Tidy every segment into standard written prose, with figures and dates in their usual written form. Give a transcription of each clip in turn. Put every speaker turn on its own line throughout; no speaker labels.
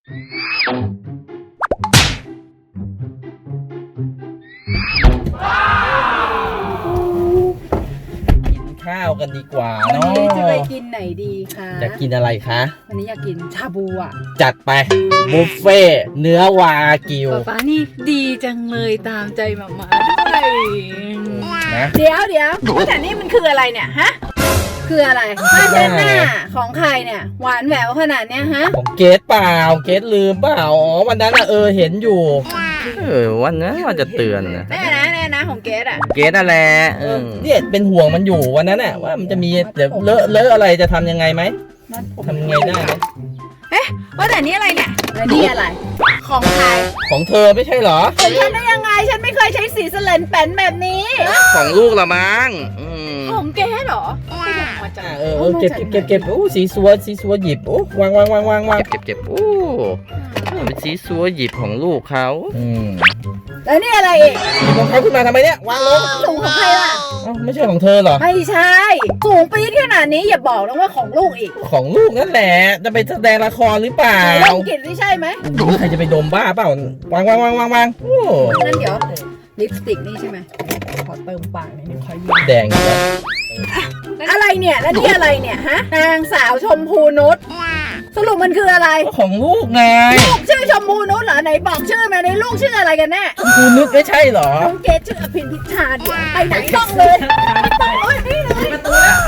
กินข้าวกันดีกว่า
วัน
เนาะ
นี้จะไปกินไหนดีคะ
จะกินอะไรคะ
วันนี้อยากกินชาบูอ่ะ
จัดไปบุฟเฟ่ต์เนื้อวากิว
ป๊านี่ดีจังเลยตามใจหมาด้วย
นะ
เดี๋ยวแต่นี่มันคืออะไรเนี่ยฮะคืออะไรผ้าเช็ดหน้าของใครเนี่ยหวานแหววขนาดเนี้ยฮะ
ของเกสเปล่าเกสลืมเปล่าอ๋อวันนั้นเห็นอยู่วันนั้นว่าจะเตือนนะ
แน่นะของเกดอ่ะ
เกสอะไรเนี่ยเป็นห่วงมันอยู่วันนั้นน่ะว่ามันจะมีเดี๋ยวเลอะอะไรจะทำยังไงไหมทำยังไงได้ไหม
ว่าแต่นี่อะไรเนี่ยนี่อะไรของใคร
ของเธอไม่ใช่เหรอ
ของฉันได้ยังไงฉันไม่เคยใช้สีสเลนแป้นแบบนี้
ของลูกละมั้ง
ของเกดเหรอไม่ได้มาจาก
เก็บโอ้สีสัวหยิบโอ้วางเก็บโอ้เป็นสีสัวหยิบของลูกเขา
แล้วนี่อะไรอีก
หยิบของเขาขึ้นมาทำไมเนี่ยวางลง
สูงของใครล่ะ
ไม่ใช่ของเธอเหรอ
ไม่ใช่สูงปี๊ดขนาดนี้อย่าบอกนะว่าของลูกอีก
ของลูกนั่นแหละจะไปแสดงละครหรือเปล่า
ลองกินไม่ใช่ไหม
ใครจะไปดมบ้าเปล่าวางโอ้
นั่นเดี๋ยวลิปสติกนี่ใช่ไหมขอเติมปากนิดนึงขอยืม
แดงอยู่แล้ว
อะไรเนี่ยแล้วนี่อะไรเนี่ยฮะนางสาวชมพูนุชสรุปมันคืออะไร
ของลูกไง
ลูกชื่อชมพูนุชเหรอไหนบอกชื่อมาในลูกชื่ออะไรกันแน่
คุณนึกไม่ใช่เหรอ
น้องเกดชื่ออภินพิชาเดี๋ยวไปไหนต้องเลยต้องเลยนี่เลยประตูแล้ว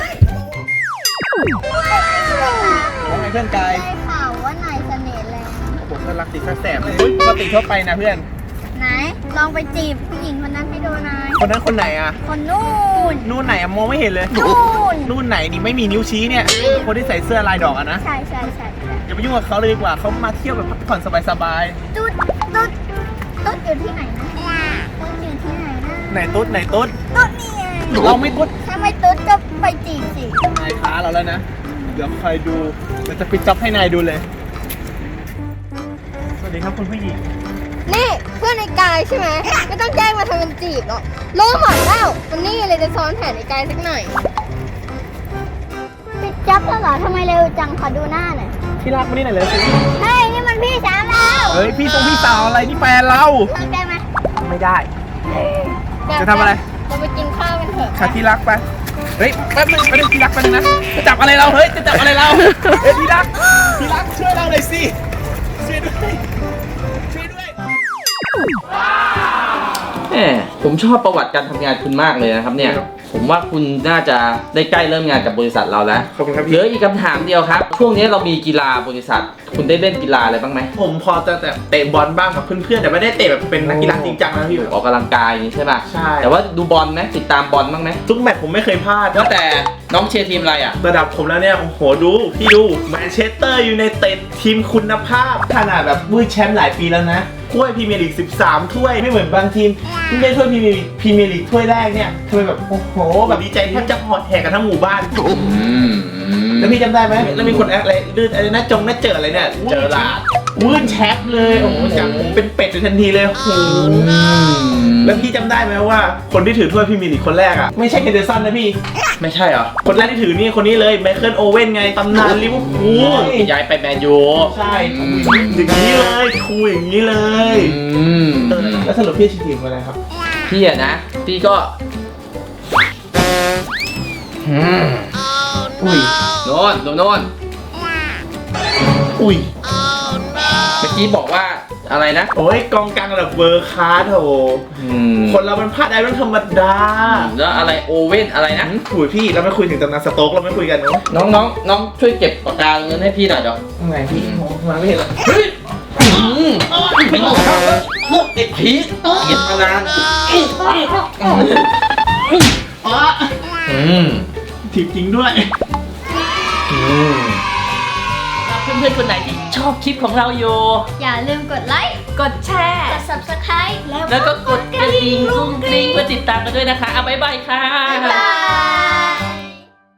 ว่าไงเพื่อนกาย
ได้ข่าวว่านายเสน่ห์แรง
ผมก็รักติดแสบเลยปกติทั่วไปนะเพื่อน
ไหนลองไปจีบผู้หญิงคนนั้นให้ดูหน่อย
คนนั้นคนไหนอะ
คนนู่น
นู่นไหนอะมองไม่เห็นเลย
นู่น
นู่นไหนนี่ไม่มีนิ้วชี้เนี่ย คนที่ใส่เสื้อลายดอกอะนะ
ใช่ใช่ใช่
อย่าไปยุ่งกับเขาเลยดีกว่าเขามาเที่ยวแบบพักผ่อนสบาย
ตุ๊ดตุ๊ดตุ๊ดอยู่ที่ไหนนะตุ๊ดอยู่ที่ไหนนะ
ๆไหนตุ๊ดไหนตุ๊ด
ตุ๊ดนี่ไง
เราไม่ตุ๊ด
ถ้าไม่ตุ๊ดก็ไปจีบสิ
นายท้าเราแล้วนะ เดี๋ยวคอยดูเราจะปิดจ็อบให้นายดูเลย สวัสดีครับคุณผู้หญิง
นี่เพื่อนในกายใช่ไหมไม่ต้องแจ้งมาทำเป็นจีบหรอกรู้หมดแล้ววันนี้เลยจะซ้อนแผนในกายสักหน่อยปิดจับแล้วเหรอทำไมเร็วจังขอดูหน้าหน่อย
ที่รักมานี่หน่อยเลยสิ
เฮ้ยนี่มันพี่สาวเรา
เฮ้ยพี่สาวอะไรนี่แฟนเรา
เลิกได้ไหม
ไม่ได้ จะทำอะไร
เราไปกินข้าวกันเถอะ
ค่ะที่รักไป เฮ้ยแป๊บนึงที่รักไปนึงนะ จะจับอะไรเรา เฮ้ย จะจับอะไรเรา เฮ้ยที่รักช่วยเราหน่อยสิ ช่วยด้วย ช่วยด้วย
ผมชอบประวัติการทำงานคุณมากเลยนะครับเนี่ย ผมว่าคุณน่าจะได้ใกล้เริ่มงานกับบริษัทเราแล้ว
ขอบคุณครับ
เห
พี่
ลืออีกคำถามเดียวครับ ช่วงนี้เรามีกีฬาบริษัท คุณได้เล่นกีฬาอะไรบ้างไหม
ผมพอจะเตะบอลบ้างกับเพื่อนๆแต่ไม่ได้เตะแบบเป็นนักกีฬาจริงจังนะพี่
ออกกำลังกายอย่างนี้ใช่ป่ะ
ใช่
แต่ว่าดูบอลไหมติดตามบอลบ้างไหม
ทุกแมตช์ผมไม่เคยพลาด
ว่าแต่น้องเชียร์ทีมอะไรอ่ะ
ระดับผมแล้วเนี่ย โอ้โห ดูพี่ดูแมนเชสเตอร์ยูไนเต็ดทีมคุณภาพขนาดแบบวุ้ยแชมป์หลายปีแล้วนะ ถ้วยพรีเมียร์ลีก 13 ถ้วยไม่เหมือนบางทีมเพิ่งได้ถ้วยพรีเมียร์ลีกถ้วยแรกเนี่ยทำไมแบบโอ้โหแบบดีใจแทบจะหอดแหกกันทั้งหมู่บ้าน แล้วพี่จำได้ไหมแล้วมีคนอะไรลื่นอะไรนะจงน่าเจออะไรเนี่ยเจอละวื่นแชปเลยโอ้โหจากผมเป็นเป็ดทันทีเลยโอ้โหแล้วพี่จำได้ไหมว่าคนที่ถือถ้วยพรีเมียร์ลีกคนแรกอ่ะไม่ใช่เฮนเดอร์สันนะพี่
ไม่ใช่เหรอ
คนแรกที่ถือนี่คนนี้เลยไมเคิลโอเว่นไงตำนานลิเวอร์พูล
ย้ายไปแมนยู
ใช่อย่างนี้เลยคูอย่างนี้เลยแล้วสรุปพี่ชื่อทีมอะไรครับ
พี่อะนะพี่ก็
อุ้ย
โน่นโน่น
อุ้ย
เมื่อกี้บอกว่าอะไรนะ
โอ้ยกองกลางระดับเวอร์คลาสโถคนเรามันพลาดได้เป็นธรรมดา
แล้วอะไรโอเว่นอะไรนะ
คุยพี่เราไม่คุยถึงตำนานสโต๊กเราไม่คุยกันเนาะ
น้องช่วยเก็บปากกาเงินให้พี่หน่อยเดี๋ยว
ทำไงพี่มาไม่เห็นเลย
เฮ้ยไม่ต้องเข้าแล้วไอ้ผีเก็บมานาน
ถีบจริงด้วย
เพื่อนๆคนไหนที่ชอบคลิปของเราอยู่
อย่าลืมกดไลค์
กดแชร์
กด subscribe
แล้วก็กดกระดิ่งกรุ้งกริ้งเพื่อติดตามกันด้วยนะคะเอาบ๊ายบายค่ะ
บ๊ายบาย